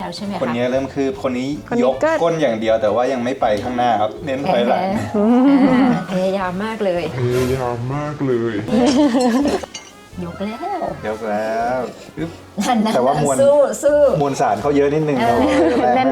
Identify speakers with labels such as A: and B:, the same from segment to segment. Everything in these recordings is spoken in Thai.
A: แล้วใช่ไหมคะ
B: คนนี้เริ่มคืบคนนี้ยกก้นอย่างเดียวแต่ว่ายังไม่ไปข้างหน้าครับเน้นถอยหลัง
A: พยายามมากเลยยกแล้ว
B: แต่ว่ามวลมวลสารเขาเยอะนิดนึงเรา
C: แน่น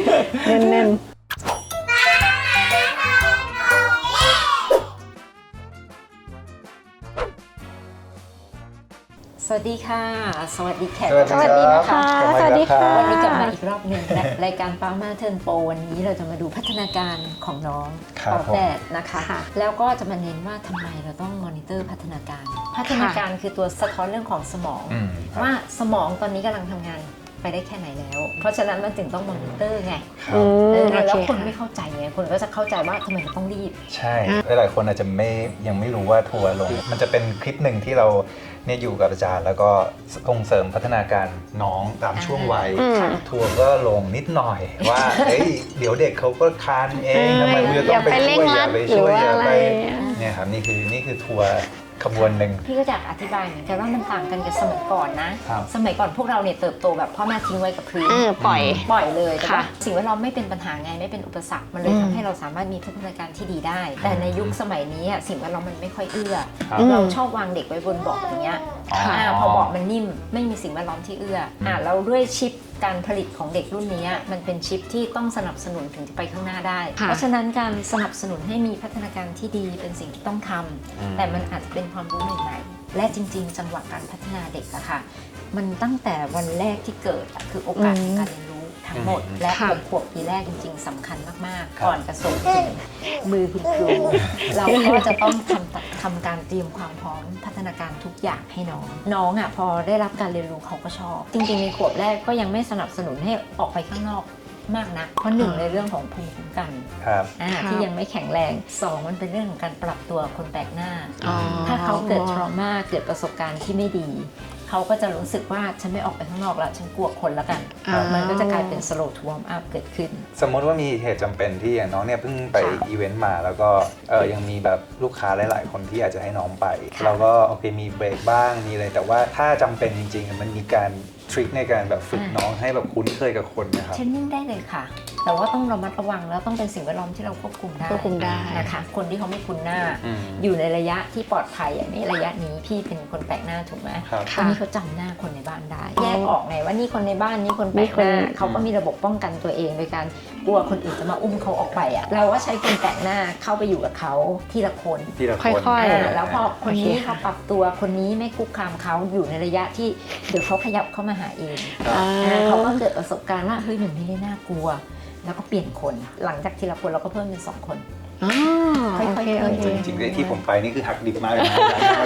A: สวัสดีค่ะสวัสดีแขก
B: สวัสดีนะคะ
C: สวัสดีค่ะ
A: วันนี้กลับมาอีกรอบหนึ่งและรายการป้ามาเทิร์นโปรวันนี้เราจะมาดูพัฒนาการของน้องปอแปดนะคะแล้วก็จะมาเน้นว่าทำไมเราต้องมอนิเตอร์พัฒนาการคือตัวสะท้อนเรื่องของสมองว่าสมองตอนนี้กำลังทำงานไปได้แค่ไหนแล้วเพราะฉะนั้นมันถึงต้องมอนิเตอร์ไงแล้วคนไม่เข้าใจไงคนก็จะเข้าใจว่าทำไมเราต้องรีบ
B: ใช่หลายคนอาจจะยังไม่รู้ว่าทัวร์ลงมันจะเป็นคลิปหนึ่งที่เราเนี่ยอยู่กับอาจารย์แล้วก็ส่งเสริมพัฒนาการน้องตามช่วงวัยทัวร์ก็ลงนิดหน่อยว่าเดี๋ยวเด็กเขาก็คานเองทำไมคุณจะต้องไปช่วยอย่าไปช่วยอย่าไปเนี่ยครับนี่คือทัวร์ขบวนหนึ่ง
A: พี่ก็อยากอธิบายเหมือนกันว่ามันต่างกันกับสมัยก่อนนะสมัยก่อนพวกเราเนี่ยเติบโตแบบพ่อแม่ทิ้งไว้กับพื้น
C: ปล่อย
A: เลยแต่ว่าสิ่งแวดล้อมไม่เป็นปัญหาไงไม่เป็นอุปสรรคมันเลยทำให้เราสามารถมีพัฒนาการที่ดีได้แต่ในยุคสมัยนี้สิ่งแวดล้อมมันไม่ค่อยเอื้อเราชอบวางเด็กไว้บนเบาะอย่างเงี้ยพอเบาะมันนิ่มไม่มีสิ่งแวดล้อมที่เอื้อแล้วด้วยชิปการผลิตของเด็กรุ่นนี้มันเป็นชิปที่ต้องสนับสนุนถึงจะไปข้างหน้าได้เพราะฉะนั้นการสนับสนุนให้มีพัฒนาการที่ดีเป็นสิ่งที่ต้องทำแต่มันอาจจะเป็นความรู้ใหม่ๆและจริงๆจังหวะการพัฒนาเด็กอะค่ะมันตั้งแต่วันแรกที่เกิดคือโอกาสในการเรียนรู้ทั้งหมดและ6 ขวบปีแรกจริงๆสำคัญมากๆก่อนจะส่งถึงมือคุณครูเราก็จะต้องทำการเตรียมความพร้อมพัฒนาการทุกอย่างให้น้องอะพอได้รับการเรียนรู้เขาก็ชอบจริงๆในขวบแรกก็ยังไม่สนับสนุนให้ออกไปข้างนอกมากนะเพราะ1ในเรื่องของภูมิคุ้มกันที่ยังไม่แข็งแรง2มันเป็นเรื่องของการปรับตัวคนแปลกหน้าถ้าเขาเกิดทรมาเกิดประสบการณ์ที่ไม่ดีเขาก็จะรู้สึกว่าฉันไม่ออกไปข้างนอกแล้วฉันกลัวคนแล้วกันมันก็จะกลายเป็น slow to warm up เกิดขึ้น
B: สมมติว่ามีเหตุจำเป็นที่อย่างน้องเนี่ยเพิ่งไปอีเวนต์มาแล้วก็ยังมีแบบลูกค้าหลายๆคนที่อยากจะให้น้องไปเราก็โอเคมีเบรกบ้างมีอะไรแต่ว่าถ้าจำเป็นจริงๆมันมีการทริคในการแบบฝึกน้องให้แบบคุ้นเคยกับคนนะครับ
A: เทรนนิ่งได้เลยค่ะแต่ว่าต้องระมัดระวังแล้วต้องเป็นสิ่งแวดล้อมที่เราควบคุมได้นะคะคนที่เขาไม่คุ้นหน้าอยู่ในระยะที่ปลอดภัยอย่างนี้ระยะนี้พี่เป็นคนแปลกหน้าถูกไหมคนนี้เขาจำหน้าคนในบ้านได้แยกออกไงว่านี่คนในบ้านนี่คนแปลกหน้าเขาก็มีระบบป้องกันตัวเองโดยการกลัวคนอื่นจะมาอุ้มเขาออกไปอ่ะเราว่าใช้คนแปลกหน้าเข้าไปอยู่กับเขาทีละคน
C: ค่อย
A: ๆแล้วพอคนนี้เขาปรับตัวคนนี้ไม่คุกคามเขาอยู่ในระยะที่เดี๋ยวเขาขยับเข้ามาหาเองเขาก็เกิดประสบการณ์ว่าเฮ้ยมันไม่ได้น่ากลัวแล้วก็เปลี่ยนคนหลังจากทีละคนเราก็เพิ่มเป็น2 คน
C: ค่อยๆ
B: จริงๆที่ผมไปนี่คือหักดิบมากเลยนะ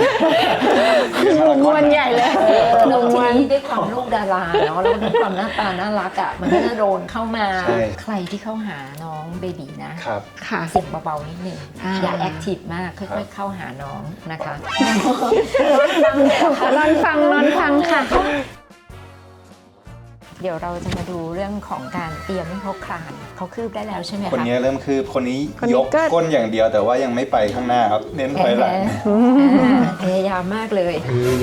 C: มวนใหญ่เลย
A: น้องทีนี้ด้วยความลูกดาราเนาะแล้วด้วยความหน้าตาน่ารักอ่ะมันก็จะโดนเข้ามาใครที่เข้าหาน้องเบบีนะเสียงเบาๆนิดนึงอย่าแอคทีฟมากค่อยๆเข้าหาน้องนะคะ
C: นอนฟังค่ะ
A: เดี๋ยวเราจะมาดูเรื่องของการเตรียมให้เขาคลานเขาคืบได้แล้วใช่ไหมคะ
B: คนนี้เริ่มคืบคนนี้ยกก้นอย่างเดียวแต่ว่ายังไม่ไปข้างหน้าครับเน้นถอยหลัง
A: พยายามมากเลย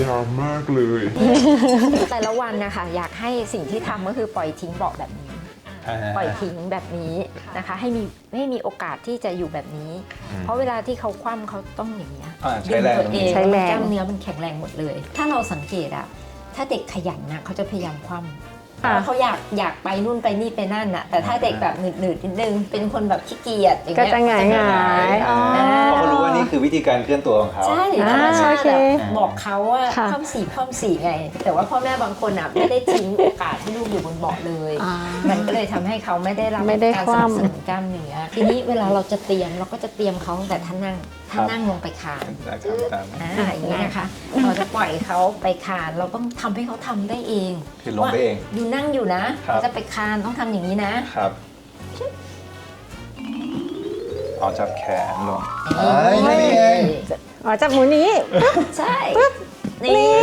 A: แต่ละวันนะคะอยากให้สิ่งที่ทำก็คือปล่อยทิ้งเบาะแบบนี้ปล่อยทิ้งแบบนี้นะคะให้มีโอกาสที่จะอยู่แบบนี้เพราะเวลาที่เขาคว่ำเขาต้องอย่างนี้
B: ดึงตัวเอง
A: กล้ามเนื้อมันแข็งแรงหมดเลยถ้าเราสังเกตอะถ้าเด็กขยันนะเขาจะพยายามคว่ำเขาอยากไปนู่นไปนี่ไปนั่นน่ะแต่ถ้าเด็กแบบหนืดนิดนึงเป็นคนแบบขี้เกียจ
C: ก็จะหงาย
B: เพราะเขารู้ว่านี่คือวิธีการเคลื่อนตัวของเขา
A: ใช่ธรรมชาติบอกเขาว่าคว่ำสี่ไงแต่ว่าพ่อแม่บางคนอ่ะไม่ได้ทิ้งโอกาสให้ลูกอยู่บนเบาะเลยมันก็เลยทำให้เขาไม่ได้รับการสนับสนุนกล้ามเนื้อทีนี้เวลาเราจะเตรียมเราก็จะเตรียมเขาแต่ถ้านั่งลงไปคานอย่างนี้นะคะเราจะปล่อยเขาไปคานเราต้องทำให้เขาทำได้เอง
B: คือลงไปเอง
A: อยู่นั่งอยู่นะเราจะไปคานต้องทำอย่างนี้นะครับ
B: เอาจับแขนลง
C: นี่เองจับหมูนี้
A: ใช่นี่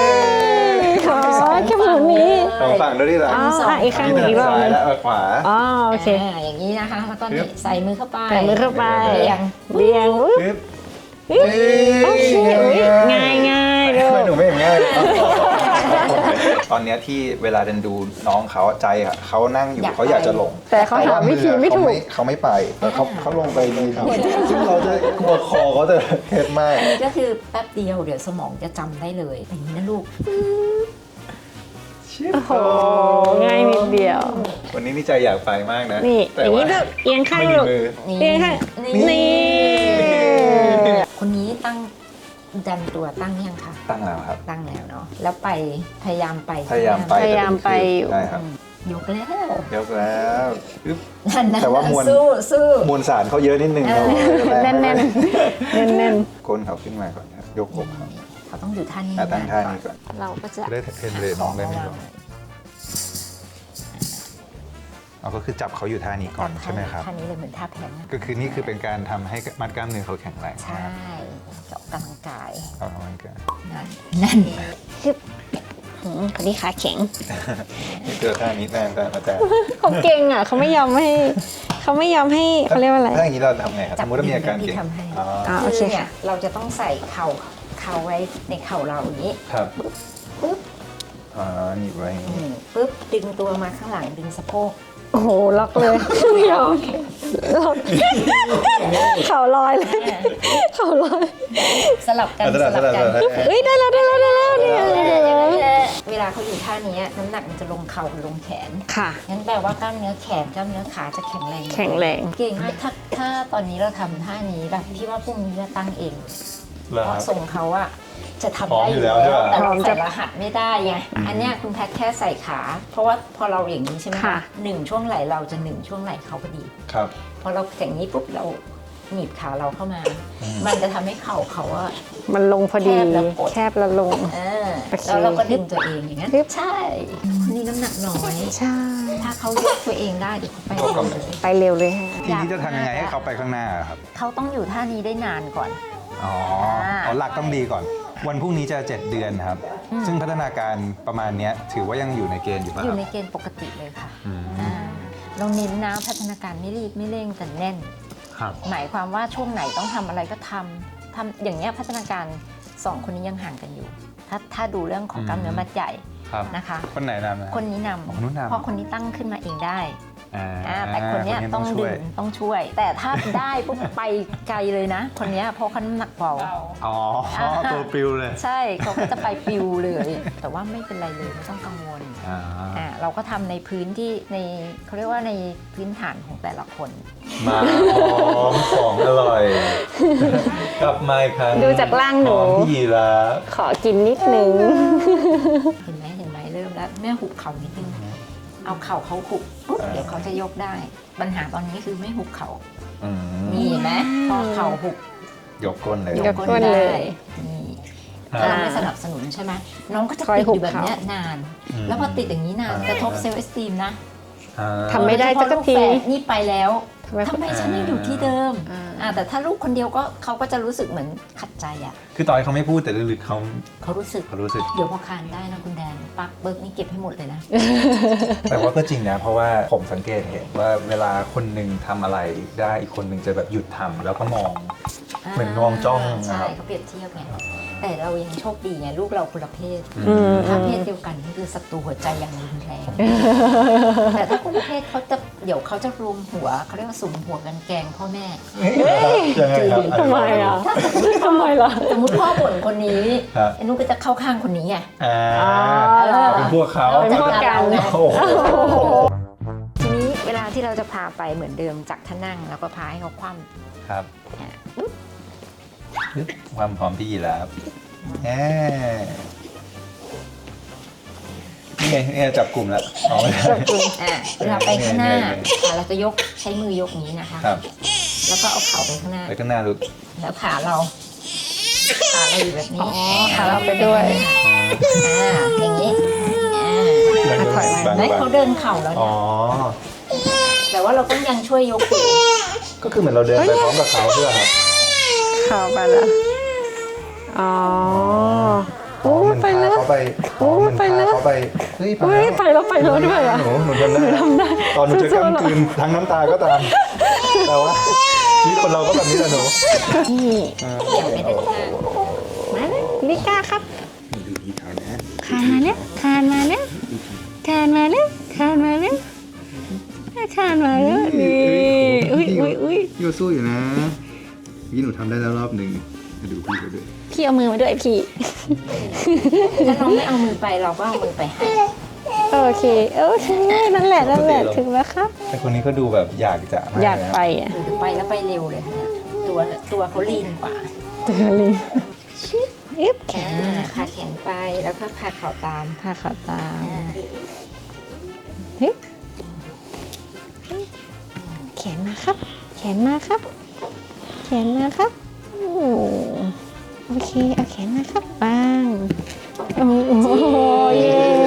C: จับหมูนี้
B: ฝั่งด้วยที่หลัง
C: อีกข้างหนึ่งอีกรอบ
B: ซ้ายและขวา
C: โอเค
A: อย่างนี้นะคะแล้วก็ใส่มือเข้าไป
C: เบี่ยงโอเคง่ายเลย
B: หนูไม่ง่ายตอนเนี้ยที่เวลาเดินดูน้องเขาใจอะเขานั่งอยู่เขาอยากจะลง
C: แต่เขาหาวิธีไม่ถูก
B: เขาไม่ไปแต่เขาลงไปดีครับซึ่งเราจะกลัวคอเขาจะเคล็ดมาก
A: ก็คือแป๊บเดียวเดี๋ยวสมองจะจำได้เลยอย่างนี้นะลูก
C: โอ้โหง่ายนิดเดียว
B: วันนี้นี่ใจอยากไปมากนะ
C: นี่
B: แต่
C: อย่าง
B: ว่า
C: นี้ก็เอียงข้าง
B: ไม่มี
C: ลูก
B: มือ
C: เอียงข้างนี่
A: คนนี้ตั้งดันตัวตั้งยังคะ
B: ตั้งแล้วครับ
A: ตั้งแล้วเนาะแล้วไปพยายามไป
B: พยายามไป
C: พยายามไปอยู่
B: ใช่ครับ
A: ยกแล้ว
B: ยกแล้วอึ๊บ
A: นั่นนะ
B: แต่ว่ามวล
A: สู้
B: มวลสารเขาเยอะนิดนึงเรา
C: แน่นๆแน่นแน่น
B: ก้นเขาขึ้นมาก่อนครับยกอกเขา
A: เขาต้องอยู่ท่านี้
B: ตั้งท่านี้ก่อน
C: ๆเราก็จะ
B: จะได้เทรนเรน้องได้ไหมก่อนเราก็คือจับเขาอยู่ท่านี้ก่อนใช่ไหมครับ
A: ท่านี้เลยเหมือนท่าแพน
B: ก็คือนี่คือเป็นการทำให้มัดกล้ามเนื้อเขาแข็งแรง
A: ใช่จะออกกำลังกาย
B: เอากำลังกาย
A: นั่น
C: คนนี้ขาแข็ง
B: นี่เจอท่านี้แน่นแต่อาจารย์
C: เขาเก่งอ่ะเขาไม่ยอมให้เขาเรียกว่าอะไร
B: ถ้าอย่างนี้เราทำไงครับสมมติว่ามีอาการ
A: ที่
B: เก่ง
A: ทำให้
B: อ๋อ
C: โอเค
A: คือเนี่ย
C: ค่ะ
A: เราจะต้องใส่เข่าไว้ในเข่าเราอย่างนี้
B: ครับ
A: ปึ๊บ
B: อ๋อหนีบไว้อย่างนี้
A: ปึ๊บดึงตัวมาข้างหลังดึงสะโพก
C: โอ้โหล็อกเลยไม่ยอมล็อกเข่าลอยเลยเข่าลอย
A: สลับกัน
B: สลับ
A: กัน
C: เอ้ยได้แล้วเนี่ย
A: เวลาเขาอยู่ท่านี้น้ำหนักมันจะลงเข่าลงแขน
C: ค่ะ
A: งั้นแปลว่ากล้ามเนื้อแขนกล้ามเนื้อขาจะแข็งแรง
C: แข็งแรง
A: เก่งมากถ้าตอนนี้เราทำท่านี้แบบพี่ว่าพรุ่งนี้จะตั้งเอง
B: เหรอ
A: เพ
B: ครั
A: ราะ
B: บ
A: ส่งเขาอะจะทำ
B: พร้อม
A: ได้
B: อยู่แล้วใช่ปะ
A: แต่เราใส่รหัสไม่ได้ไงอันเนี้ยคุณแพทย์แค่ใส่ขา เพราะว่าพอเราอย่างนี้ใช่ไหม
C: ค่ะ
A: หนึ่งช่วงไหล่เราจะหนึ่งช่วงไหล่เขาพอดี
B: ครับ
A: พอเราอย่างนี้ปุ๊บเราหนีบขาเราเข้ามา มันจะทำให้เข่าเขาอะ
C: มันลงพอดี
A: แคบแล้วกด
C: แคบแล้วลง
A: เออ
C: โอเค
A: แล้วเราก็ดึงตัวเองอย่างนั้น
C: ฮึบ
A: ใช่คนนี้น้ำหนักน้อย
C: ใช่
A: ถ้าเขายกตัวเองได้เดี๋ยวเขาไปเร็วเลย
C: ไปเร็วเลยฮะ
B: ทีนี้จะทำยังไงให้เขาไปข้างหน้าครับ
A: เขาต้องอยู่ท่านี้ได้นานก่อน
B: อ๋อหลักต้องดีก่อน วันพรุ่งนี้จะ 7 เดือนครับ ซึ่งพัฒนาการประมาณเนี้ยถือว่ายังอยู่ในเกณฑ์อยู่ป่ะ
A: อ
B: ค
A: ยู่
B: รับ
A: ในเกณฑ์ปกติเลยค่ะ
B: อืม
A: เราเน้นนะพัฒนาการไม่รีบไม่เร่งแต่แน่น
B: ครับ
A: หมายความว่าช่วงไหนต้องทำอะไรก็ทำอย่างเงี้ยพัฒนาการ2คนนี้ยังห่างกันอยู่ ถ้าดูเรื่องของกล้ามเนื้อมัดใหญ่
B: ครับ
A: นะคะ
B: คนไหนนำนะ
A: คนนี้น
B: คนนู้นนำ
A: ำเพราะคนนี้ตั้งขึ้นมาเองได้
B: อ่า
A: แต่คนเนี้ยต้อง
B: ช่
A: ดึ
B: วย
A: งต้องช่วย แต่ถ้าได้ปุ๊บไปไกลเลยนะ คนเนี้ยเพราะเขาน้ำหนักเบา
B: อ๋อตัวปิวเลย
A: ใช่เขาก็จะไปปิวเลย แต่ว่าไม่เป็นไรเลยไม่ต้องกังวล เราก็ทำในพื้นที่ในเขาเรียกว่าในพื้นฐานของแต่ละคน
B: มาพร้อมของอร่อย กลับมาอีกครั้ง
C: ดูจากร่างหนู
B: พร้อมพี่ละ
C: ขอกินนิดนึง
A: เห็นไหมเริ่มแล้วแม่หุบเข่านิดนึงเอาเข่าเขาหุบปุ๊บเดี๋ยวเขาจะยกได้ ปัญหาตอนนี้คือไม่หุบเข่า
B: อืม
A: นี่เห็นไหมพอเข่าหุบ
B: ยกก้นเลย
C: ยกก้นเลย
A: นี่
B: อ่า
A: ถ้าเราไม่สนับสนุนใช่ไหมน้องก็จะ
C: คอย
A: ติด
C: หุ
A: อบ ยู่แบบเนี้ย
C: เข่าน
A: าน แล้วพอติดอย่างนี้นานกระทบเซลล์เอสตีมนะ
B: อ่า
C: ทำไม่ได้สักที
A: โดยเฉพาะลูแฝดนี่ไปแล้ว
C: ทำไม
A: ทำไมฉันยังอยู่ที่เดิม
C: อ่า
A: แต่ถ้าลูกคนเดียวก็เขาก็จะรู้สึกเหมือนขัดใจอ่ะ
B: คือตอนเขาไม่พูดแต่ลึกๆเขา
A: เขารู้สึก
B: รู้สึก
A: เดี๋ยวพอคานได้นะคุณแดนปักเบิกนี่เก็บให้หมดเลยนะ
B: แต่ว่าก็จริงนะ เพราะว่าผมสังเกตเห็นว่าเวลาคนหนึ่งทำอะไรได้อีกคนหนึ่งจะแบบหยุดทำแล้วก็มอง เหมือนมองจ้องนะ
A: ใช่
B: ครับ
A: เขาเปรียบเทียบไงแต่เรายังโชคดีไงลูกเราคนละเพศ
C: อืม
A: ถ้าเพศเดียวกันนี่คือศัตรูหัวใจอย่างรุนแรง แต่ถ้าคนละเพศเขาจะเดี๋ยวเขาจะรวมหัวเขาเรียกว่าสุมหัวกันแกล้งพ่อแม่
B: ยังไงครับ
C: ทำไมอ่ะทำไมล่ะ
A: สมมติพ่อบ่นคนนี้
B: ครับ
A: ไอ้นุ๊กก็จะเข้าข้างคนนี้ไง
B: อ่า
C: อ๋อ
B: เป็นพวกเขา
C: เป็นพวกกัน
A: ไง
B: โอ้โห
A: ทีนี้เวลาที่เราจะพาไปเหมือนเดิมจากท่านั่งเราก็พาให้เขาคว่
B: ครับ
A: ำอ่ะปึ๊บ
B: ความพร้อมพี่ยีราฟแหมนี่ไงนี่ไงจับกลุ่มแล้วอ๋อไม่ได้
A: เวลาไปข้างหน้า
B: เนี่ย
A: เราจะยกใช้มือยกอย่างนี้นะคะ
B: ครับ
A: แล้วก็เอาเข่าไปข้างหน้า
B: ไปข้างหน้าลูก
A: แล้วขาเราอยู่แบบนี้
C: ขาเราไปด้วย
A: อย่างนี้
C: ถอยมา
A: ไหมเขาเดินเข่าแล้ว
B: อ๋
A: เนี่
B: อ
A: ยแต่ว่าเราต้องยังช่วยยกอยู่
B: ก็คือเหมือนเราเดินไปพร้อมกับเขาเพื่อครับ
C: เข้าไปแล้วอ๋อโอ้ไปแล้ว
B: เขาไป
C: โอ้ไปแล้ว
B: เขาไปเฮ้ย
C: เฮ้ยไปแล้วด้วยอ่ะ
B: หนูทำได้ตอนหนูจะกำกืนทั้งน้ำตาก็ตาม แต่ว่าชีวิตคนเราก็แบบนี้แหละหนู
C: นี่
A: อย่างไปด้านข้าง
C: มาเลยลิก้าครับ
B: ดูดีเท่านะ
C: ขามาแล้วขคานมาแล้วคานมาแล้วคานมาแล้วคานมาแล้วนี่อุ้ย
B: พี่ก็สู้อยู่นะพี่หนูทำได้แล้วรอบหนึ่งมาดูพี่เขาด้วย
C: พี่เอามือมาด้วยพี่
A: ถ้าเราไม่เอามือไปเราก็เอามือไปให้
C: โอเคนั่นแหละถึงแล้วครับ
B: แต่คนนี้ก็ดูแบบอยากจะม
C: อยากไปอ่ะ
A: หรือไปแล้วไปเร็วเลยเนี่ยตัวเขาลีนกว่า
C: ตัวลิงอึ๊บแขน
A: พาแขนไปแล้วก็พาเข่าตาม
C: พาขาตาม
A: อ่า
C: ฮึบแขนมาครับ แขนมาครับ แขนมาครับโอเคเอาแขนมาครับบ้างโอ้โหเย้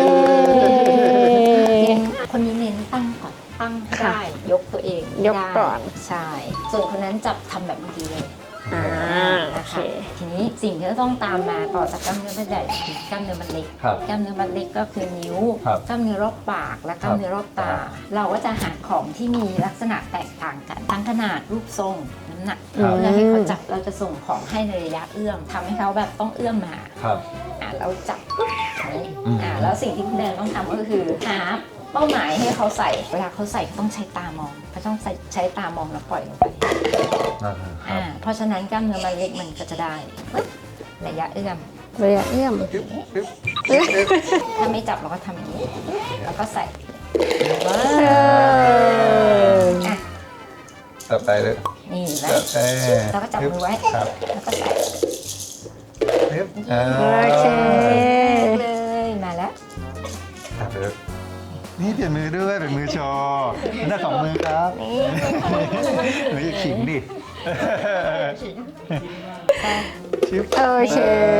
A: คนนี้เน้นตั้งก่อนตั้งให้ได้ยกตัวเองให้
C: ยก
A: ได้
C: ก่อน
A: ใช่ส่วนคนนั้นจับทำแบบเมื่อกี้เลย
C: โอ
A: นะ
C: เค
A: คะทีนี้สิ่งที่จะต้องตามมาต่อจากกล้ามเนื้อมันใหญ่คือกล้ามเนื้อมันเล็ก
B: ครับ
A: กล้ามเนื้อมันเล็กก็คือนิ้ว
B: ครับ
A: กล้ามเนื้อรอบปากและกล้ามเนื้อรอบตา เราก็จะหาของที่มีลักษณะแตกต่างกันทั้งขนาดรูปทรงน้ำหนัก
B: ครับ
A: เพื่อให้เขาจับเราจะส่งของให้ในระยะเอื้อมทำให้เขาแบบต้องเอื้อมมา
B: ครับ
A: เราจับปุ๊บ
B: อืม
A: แล้วสิ่งที่คุณแดนต้องทำก็คือหาเป้าหมายให้เขาใส่เวลาเขาใส่เขาต้องใช้ตามองเขาต้องใช้ตามองแล้วปล่อยลงไป
B: ครับ
A: เพราะฉะนั้นกล้ามเนื้อมันเล็กมันก็จะได้ระยะเอื้อม
C: ระยะเอื้อม
A: ถ้าไม่จับเราก็ทำอย่างนี้แล้วก็ใส่ว้า
C: เออ
A: อ่ะ
B: ต่อไปเลย
A: นี่นะ
B: แล้ว
A: แล้วก็จับมือไว้
B: ครับ
A: แล้วก็ใส่
B: ปึ๊บ
C: โอเค
A: เลยมาแล้ว
B: ครับปึ๊บนี่เปลี่ยนมือด้วยเป็นมือโชว์หน้าของมือครับหนูอย่าขิงดิชิป
C: โอเค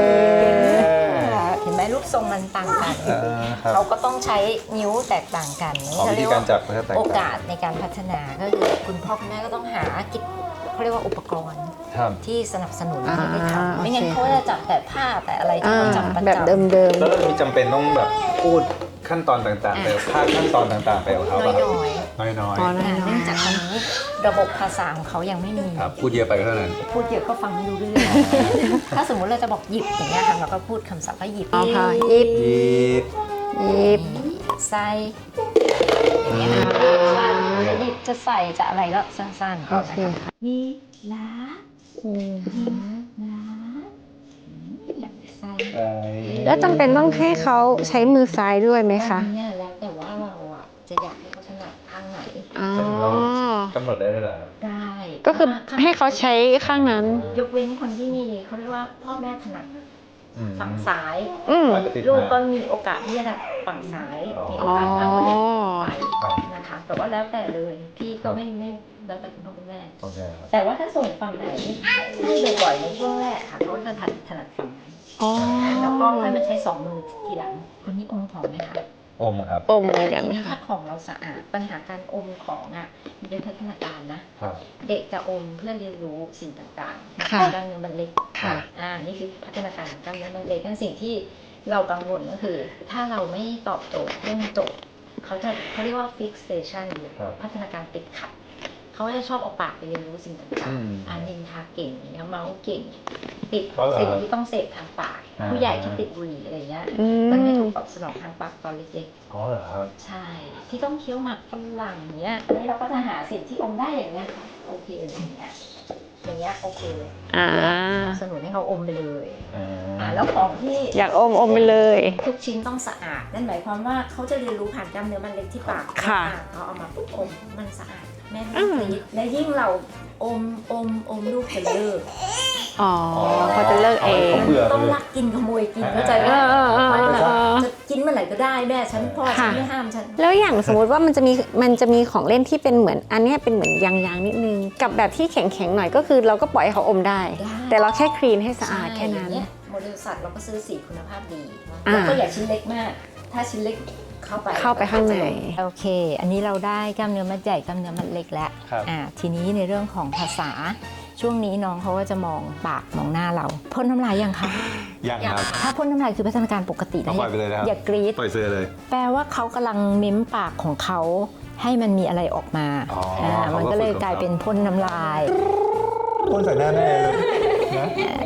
A: เห็นไหมรูปทรงมันต่างกัน
B: ครับ
A: เขาก็ต้องใช้นิ้วแตกต่างกัน
B: อ๋อวิธีการจับก็จะแตกต่าง
A: โอกาสในการพัฒนาก็คือคุณพ่อคุณแม่ก็ต้องหากิจเขาเรียกว่าอุปกรณ์
B: ครับ
A: ที่สนับสนุน
C: อ่า
A: ให้ได้ทำไม่งั้น
C: โอเค
A: เขาจะจับแต่ผ้าแต่อะไรที่เขาจับประจำ
C: แบบเดิม
B: แล้วเรามีจำเป็นต้องแบบพูดขั้นตอนต่างๆไปภาคขั้นตอนต่างๆไปของเขา
A: น้
B: ป่ะ
A: อย
B: น้อย
C: ๆอ๋อ
A: ๆ
C: น้อย
A: เนื่องจากตอนนี้ระบบภาษาของเขายังไม่มี
B: ครับพูดเยอะไปก็เท่านั้น
A: พูดเยอะก็ฟังไม่รู้เรื่อง ถ้าสมมุติเราจะบอกหยิบอย่างเงี้ยค่ะเราก็พูดคำศัพท์ว่าหยิบ
C: ๆอ๋อค่ะยิบ
B: ยีบ
C: ยิบ
A: ใส่อย่างเงี้ยจะหยิบจะใส่จะอะไรก็สั้นๆ
C: โอเค
A: ยีลา
C: อืม
A: ลาใส่
C: แล้วจำเป็นต้องให้เขาใช้มือซ้ายด้วยไหมคะ
A: อันเนี้ยแล้วแต่ว่าเราอ่ะจะอยากให้เขาถนัดข้างไหน
C: อ๋อ
B: เรากำหนดได้เลยเหรอครับ
A: ได้
C: ก็คือให้เขาใช้ข้างนั้น
A: ยกเว้นคนที่มีเขาเรียกว่าพ่อแม่ถนัดฝั่งซ้าย
C: อืม
A: ลูกก็มีโอกาสที่จะฝั่งซ้ายมีโอ
C: อ๋อ
A: กาสเอาเด็กไปนะคะแต่ว่าแล้วแต่เลยพี่ก็ไม่แล้วแต่คุณพ่อคุณแม่
B: โอเคครับ
A: แต่ว่าถ้าส่งฝั่งไหนให้บ่อยๆในช่วงแรกค่ะเขาจะถนัดฝั่งนั้น
C: อ๋อ
A: แล้วก็ค่อยมาใช้สองมือทีหลังคนนี้อมของไหมคะ
B: อมครับ
C: อมเหมือนกันไหม
A: ถ้า
C: คะ
A: ของเราสะอาดปัญหาการอมของอ่ะมันเป็นพัฒนาการนะครับ เด็กจะอมเพื่อเรียนรู้สิ่งต่างๆ
C: ค่ะ
A: กล้ามเนื้อมันเล็ก
C: ค่ะ
A: นี่คือพัฒนาการของกล้ามเนื้อมันเล็กนั่นสิ่งที่เรากังวลก็คือ ถ้าเราไม่ตอบโจทย์เรื่องโจทย์เขาเรียกว่า fixation หรือ
B: ครับ
A: พัฒนาการติดขัดเขาจะชอบเอาปากไปเรียนรู้สิ่งต่าง
B: อืม
A: ๆนินทาเก่งอย่างเงี้ยเมาส์เก่ง ติด
B: เพราะอะไร
A: สิ่งที่ต้องเสพทางปาก
B: อ่า
A: ผู้ใหญ่ที่ติดบุหรี่อะไรเงี้ย
C: อื
A: มันไม่
C: ม
A: ถูกตอบสนองทางปากตอนเล็ก
B: อ๋อเหรอครับ
A: ๆใช่ ที่ต้องเคี้ยวหมากฝรั่งเนี้ยอันนี้เราก็จะหาสิ่งที่อมได้อย่างเงี้ยโอเคเลยอย่างเงี้ยโอเคเลย
C: อ่า
A: สนับสนุนให้เขาอมไปเลย
B: อ่า
A: แล้วของที่
C: อยากอมไปเลย
A: ทุกชิ้นต้องสะอาด นั่นหมายความว่าเขาจะเรียนรู้ผ่านกล้ามเนื้อมันเล็กที่ปาก
C: ค่ะ
A: เขาเอามาปุ๊บอมมันสะอาด แม่ไม่ต้องกรีดและยิ่งเราอมลูกจะเลิก
C: อ๋อเขาจะเลิกเอง
B: เบื่อ
A: ต้องลักกินขโมยกินเข้าใจไหม จะกินเมื่อไหร่ก็ได้แม่ฉันพ่อฉันไม่ห้ามฉัน
C: แล้วอย่างสมมติว่ามันจะมีของเล่นที่เป็นเหมือนอันเนี้ยเป็นเหมือนยางๆนิดนึง กับแบบที่แข็งๆหน่อยก็คือเราก็ปล่อยให้เขาอมได้
A: ได้
C: แต่เราแค่คลีนให้สะอาดแค่นั้น
A: ใช่ย่างเงี้ยโมเดลสัตว์เราก็ซื้อสีคุณภาพดี
C: อ่า
A: แล้วก็อย่าชิ้นเล็กมาก ถ้าชิ้นเล็กเข้าไป
C: ข้างใน
A: โอเค อันนี้เราได้กล้ามเนื้อมัดใหญ่กล้ามเนื้อมัดเล็กแล้ว
B: ครับ
A: ทีนี้ในเรื่องของภาษาช่วงนี้น้องเขาก็จะมองปากมองหน้าเราพ่นน้ำลายยังคะ
B: ยังครับ
A: ถ้าพ่นน้ำลายคือพัฒนาการปกตินะ
B: ปล่อยไปเลยนะครับ
A: อย่ากรี๊ด
B: ปล่อยเสื้อเลย
A: แปลว่าเขากำลังเม้มปากของเขาให้มันมีอะไรออกมา
B: อ๋ออ่
A: มันก็เลย
B: เขาก็ฝึก
A: กลายเป็นพ่นน้ำลาย
B: พ่นใส่หน้าแม่เลยนะ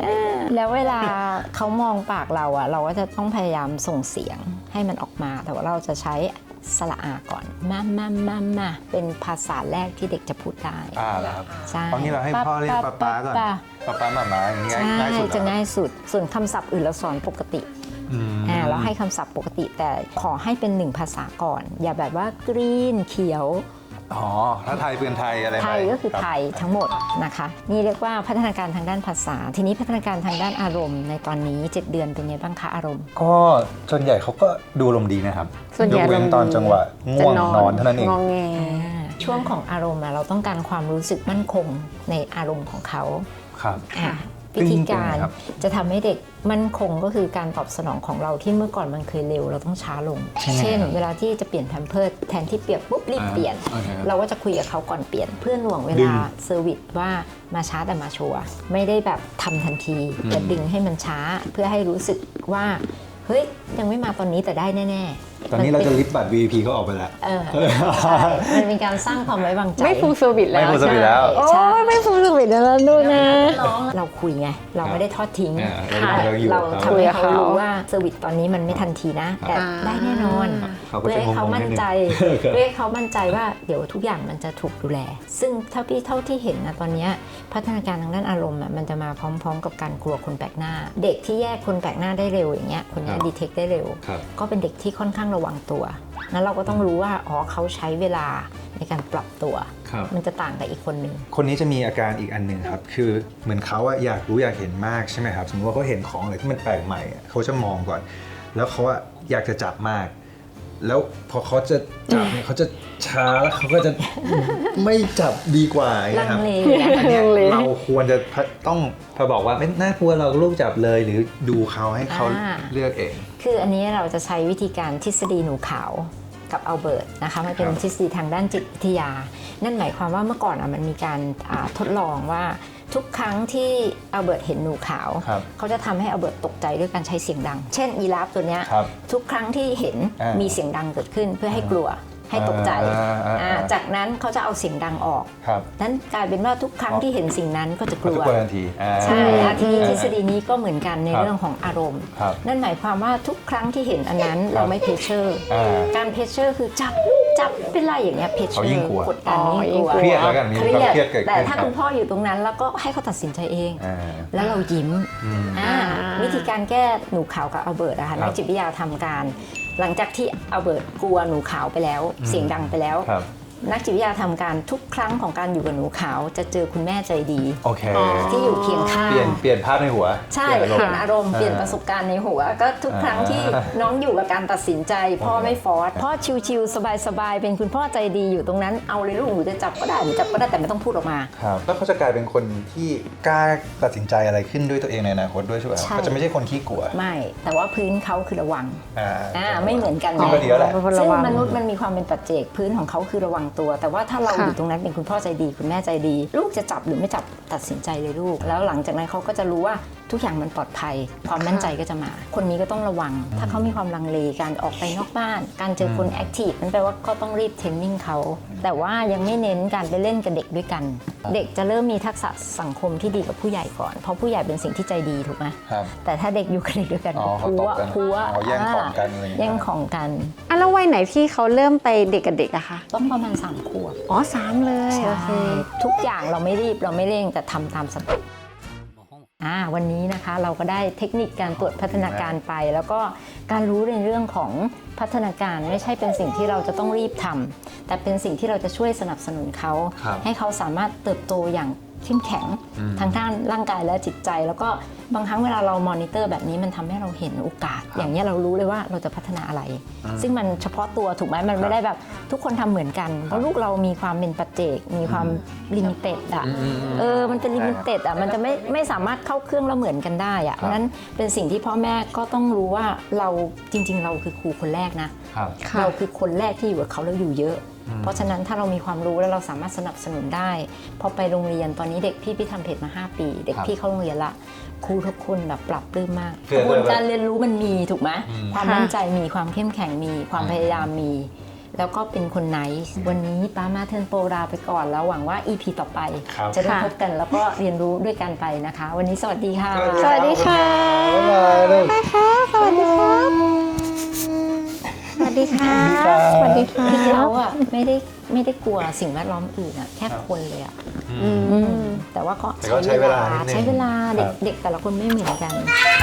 A: แล้วเวลาเขามองปากเราอะเราก็จะต้องพยายามส่งเสียงให้มันออกมาแต่ว่าเราจะใช้สระอาก่อนมาเป็นภาษาแรกที่เด็กจะพูดได้
B: แล้วครับ
A: ใช่
B: ตอนนี้เราให้พ่อเรียกป๊าก่อนป๊าหม่าอย่างเงี้ย
A: ใช่
B: ง่ายสุด
A: จะง่ายสุดส่วนคำศัพท์อื่นเราสอนปกติ เราให้คำศัพท์ปกติแต่ขอให้เป็น1ภาษาก่อน อย่าแบบว่ากรีนเขียว
B: อ๋อถ้าไทยเป็นไทยอะไร
A: ไทยก็คือไทยทั้งหมดนะคะนี่เรียกว่าพัฒนาการทางด้านภาษาทีนี้พัฒนาการทางด้านอารมณ์ในตอนนี้7 เดือนเป็นไงบ้างคะอารมณ์
B: ก็ส่วนใหญ่เขาก็ดูอารมณ์ดีนะครับ
C: ส่วนใหญ่
B: ยกเว้นตอนจังหวะง่วงนอนเท่านั้นเอง
C: งอแง
A: ช่วงของอารมณ์เราต้องการความรู้สึกมั่นคงในอารมณ์ของเขา
B: ครับ
A: วิธีการ
B: เป็นไงครับ
A: จะทำให้เด็กมั่นคงก็คือการตอบสนองของเราที่เมื่อก่อนมันเคยเร็วเราต้องช้าลง เช่น เวลาที่จะเปลี่ยนแพมเพิร์สแทนที่เปียกปุ๊บรีบเปลี่ยน เราก็จะคุยกับเขาก่อนเปลี่ยนเพื่อหน่วงเวลาเซอร์วิสว่ามาช้าแต่มาชัวร์ไม่ได้แบบทำทันทีแต่ดึงให้มันช้าเพื่อให้รู้สึกว่าเฮ้ยยังไม่มาตอนนี้แต่ได้แน่ๆ
B: ตอนนี้เราจะลิฟต์บัตร VIP เขาออกไปแล้ว
A: ใช่มันเป็นการสร้างความไว้วางใจ
C: ไม่ฟูลเซอร์วิสแล้ว
B: ไม่ฟูลเซอร์วิสแล้ว
C: โอ้ยไม่ฟูลเซอร์วิสแล้วดูนะ
A: เราคุยไงเราไม่ได้ทอดทิ้ง
B: เราอยู่
A: เรา
B: กับ
A: ทำให้เขารู้ว่าเซอร์วิสตอนนี้มันไม่ทันทีนะแต่ได้แน่นอน
B: เขาก็
A: เพื่อ
B: จะ
A: ให้เขามั่นใจ
B: งงๆนิดนึง
A: เพื่อให้เขามั่นใจว่าเดี๋ยวทุกอย่างมันจะถูกดูแล ซึ่งเท่าที่เห็นนะตอนนี้พัฒนาการทางด้านอารมณ์มันจะมาพร้อมๆ กับการกลัวคนแปลกหน้า เด็กที่แยกคนแปลกหน้าได้เร็วอย่างเงี้ยคนนี้ดีเทคได้เร็ว ก็เป็นเด็กที่ค่อนข้างระวังตัวนั้นเราก็ต้องรู้ว่าอ๋อเขาใช้เวลาในการปรับตัว มันจะต่างกับอีกคนหนึ่ง
B: คนนี้จะมีอาการอีกอันหนึ่งครับคือเหมือนเขาอยากรู้อยากเห็นมากใช่ไหมครับสมมติว่าเขาเห็นของอะไรที่มันแปลกใหม่เขาจะมองก่อน แล้วเขาอยากจะจับมาก แล้วพอเขาจะจับเนี่ยเขาจะช้าแล้วเขาก็จะไม่จับดีกว่านะครับ
A: ลังเล
B: อันเนี้ยเราควรจะต้องพอบอกว่าไม่น่ากลัวเราลูกจับเลยหรือดูเขาให้เขาเลือกเอง
A: คืออันนี้เราจะใช้วิธีการทฤษฎีหนูขาวกับอัลเบิร์ตนะคะมันเป็นทฤษฎีทางด้านจิตวิทยา นั่นหมายความว่าเมื่อก่อนมันมีการทดลองว่าทุกครั้งที่อัลเบิร์ตเห็นหนูขาวเขาจะทำให้อัลเบิร์ตตกใจด้วยการใช้เสียงดัง เช่นยีราฟตัวเนี้ยทุกครั้งที่เห็นมีเสียงดังเกิดขึ้นเพื่อให้กลัวให้ตกใจจากนั้นเขาจะเอาเสียงดังออกนั้นกลายเป็นว่าทุกครั้งที่เห็นสิ่งนั้นก็จะกลัว
B: ทันที
A: ใช่ทีนี้ทฤษฎีนี้ก็เหมือนกันในเรื่องของอารมณ์นั่นหมายความว่าทุกครั้งที่เห็นอันนั้นเราไม่เพชเชอร์การเพชเชอร์คือจับเป็นไรอย่างเงี้ยเพชเชอร์กดดันยิ่งกลัว
B: เครียดแล้วกันมีความเครียดเกิดขึ้น
A: แต่ถ้าคุณพ่ออยู่ตรงนั้นแล้วก็ให้เขาตัดสินใจเองแล้วเรายิ้มวิธีการแก้หนูขาวกับอัลเบิร์ตนะคะนักจิตวิทยาทำการหลังจากที่อัลเบิร์ตกลัวหนูขาวไปแล้วเสียงดังไปแล้วนักจิตวิทยาทำการทุกครั้งของการอยู่กับหนูขาวจะเจอคุณแม่ใจดีที่อยู่เคียงข้าง
B: เปลี่ยนภาพในหัว
A: ใช่เปลี่ยนอารมณ์เปลี่ยนประสบการณ์ในหัวก็ทุกครั้งที่น้องอยู่กับการตัดสินใจพ่อไม่ฟอร์สพ่อชิวๆสบายๆเป็นคุณพ่อใจดีอยู่ตรงนั้นเอาเลยลูกหนูจะจับก็ได้หนูจับก็ได้แต่ไม่ต้องพูดออกมา
B: แล้วเขาจะกลายเป็นคนที่กล้าตัดสินใจอะไรขึ้นด้วยตัวเองในอนาคตด้วยใช่ไหมเขาจะไม่ใช่คนขี้กลัว
A: ไม่แต่ว่าพื้นเขาคือระวังไม่เหมือนกันซึ่งมนุษย์มันมีความเป็นปัจเจกพื้นของเขาคือระวังตัวแต่ว่าถ้าเราอยู่ตรงนั้นเป็นคุณพ่อใจดีคุณแม่ใจดีลูกจะจับหรือไม่จับตัดสินใจเลยลูกแล้วหลังจากนั้นเขาก็จะรู้ว่าทุกอย่างมันปลอดภัยความมั่นใจก็จะมาคนนี้ก็ต้องระวังถ้าเขามีความลังเลการออกไปนอกบ้านการเจอคนแอคทีฟนั่นแปลว่าก็ต้องรีบเทรนนิ่งเขาแต่ว่ายังไม่เน้นการไปเล่นกับเด็กด้วยกันเด็กจะเริ่มมีทักษะสังคมที่ดีกับผู้ใหญ่ก่อนเพราะผู้ใหญ่เป็นสิ่งที่ใจดีถูกไหมแต่ถ้าเด็กอยู่กับเด็กด้วยกันพัว
B: แย่งของกัน
A: แย่งของกัน
C: แล้ววัยไหนที่เขาเริ่มไปเด็กกับเด็กอะคะ
A: ต้องประมาณ3 ขวบ
C: 3เลย
A: โอเคทุกอย่างเราไม่รีบเราไม่เร่งแต่ทำตามสเต็ปวันนี้นะคะเราก็ได้เทคนิคการตรวจพัฒนาการไปแล้วก็การรู้ในเรื่องของพัฒนาการไม่ใช่เป็นสิ่งที่เราจะต้องรีบทำแต่เป็นสิ่งที่เราจะช่วยสนับสนุนเขาให้เขาสามารถเติบโตอย่างเข้มแข็งทางด้านร่างกายและจิตใจแล้วก็บางครั้งเวลาเรามอนิเตอร์แบบนี้มันทำให้เราเห็นโอกาสอย่างนี้เรารู้เลยว่าเราจะพัฒนาอะไรซึ่งมันเฉพาะตัวถูกไหมมันไม่ได้แบบทุกคนทำเหมือนกันเพราะลูกเรามีความเป็นปัจเจกมีความลิมิเต็ดอ่ะมันจะลิมิเต็ดอ่ะมันจะไม่สามารถเข้าเครื่องแล้วเหมือนกันได้อ่ะเพราะนั้นเป็นสิ่งที่พ่อแม่ก็ต้องรู้ว่าเราจริงๆเราคือครูคนแรกนะเราคือคนแรกที่อยู่กับเขาแล้วอยู่เยอะเพราะฉะนั้นถ้าเรามีความรู้แล้วเราสามารถสนับสนุนได้พอไปโรงเรียนตอนนี้เด็กพี่ทำเพจมา5 ปีเด็กพี่เข้าโรงเรียนละครูทุกคนแบบปรับปลื้มมากกระบวนการเรียนรู้มันมีถูกไหมความมั่นใจมีความเข้มแข็งมีความพยายามมีแล้วก็เป็นคนไนซ์วันนี้ป้ามาเทิร์นโปรลาไปก่อนแล้วหวังว่า EP ต่อไป
B: ครับ
A: จะได้พบกันแล้วก็เรียนรู้ด้วยกันไปนะคะ วันนี้สวัสดีค่ะ
C: สวัสดีค่ะ
B: บ๊ายบายลูก
C: ไปค่ะสวัสดีครับ สวัสดีค่ะสวัสดีค่ะ
A: คือเราอะไม่ได้กลัวสิ่งแวดล้อมอื่นอะแค่คนเลยอะ
C: อืม
A: แต่ว่าก็
B: แต่ก็ใช้เวลานิดนึง
A: ใช้เวลา
B: ครับ
A: เด็กแต่ละคนไม่เหมือนกัน
B: ค